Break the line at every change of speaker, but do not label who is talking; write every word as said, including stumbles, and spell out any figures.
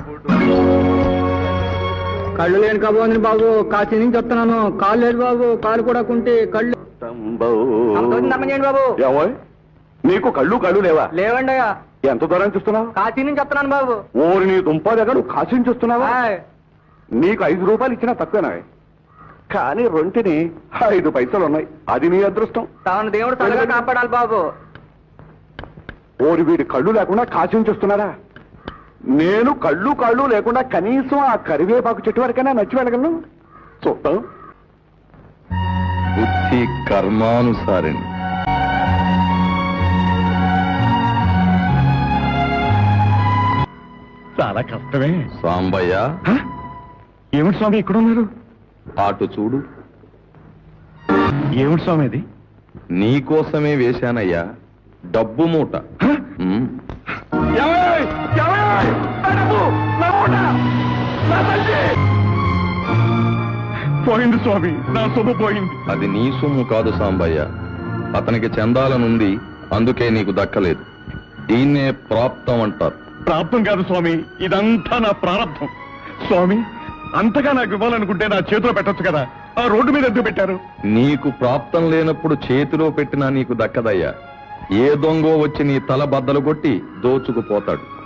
కళ్ళు లేని కాబోంది బాబు, కాశీ నుంచి వస్తున్నాను. కాళ్ళు లేదు బాబు, కాలు కూడా కుంటే కళ్ళు బాబు.
నీకు కళ్ళు కళ్ళు లేవా?
లేవండి.
ఎంత దూరం చూస్తున్నావు?
కాశీ నుంచి వస్తున్నాను బాబు.
ఓరి నీ దుంప దగ్గర నువ్వు కాశీ నుంచి వస్తున్నావా? నీకు ఐదు రూపాయలు ఇచ్చినా తక్కువేనా? కానీ రొంటిని ఐదు పైసలు ఉన్నాయి. అది నీ అదృష్టం.
తాను దేవుడు తలగా కాపాడాలి బాబు.
ఓరి వీడి కళ్ళు లేకుండా కాశీ నుంచి వస్తున్నారా? నేను కళ్ళు కళ్ళు లేకుండా కనీసం ఆ కరివేపాకు చెట్టు వరకైనా నచ్చి వెళ్ళగలను. చూద్దాం.
బుద్ధి కర్మానుసారిణి.
చాలా కష్టమే.
సాంబయ్య,
ఏమిటి స్వామి ఇక్కడ ఉన్నారు?
అటు చూడు.
ఏమిటి స్వామి అది?
నీకోసమే వేశానయ్యా డబ్బు మూట.
పోయింది స్వామి, నా సొమ్ము పోయింది.
అది నీ సొమ్ము కాదు సాంబయ్య, అతనికి చెందాలనుంది, అందుకే నీకు దక్కలేదు. దీన్నే ప్రాప్తం అంటారు.
ప్రాప్తం కాదు స్వామి, ఇదంతా నా ప్రారంభం. స్వామి, అంతగా నాకు ఇవ్వాలనుకుంటే నా చేతిలో పెట్టొచ్చు కదా, ఆ రోడ్డు మీద ఎందుకు పెట్టారు?
నీకు ప్రాప్తం లేనప్పుడు చేతిలో పెట్టినా నీకు దక్కదయ్యా. ఏ దొంగో వచ్చి నీ తల బద్దలు కొట్టి దోచుకుపోతాడు.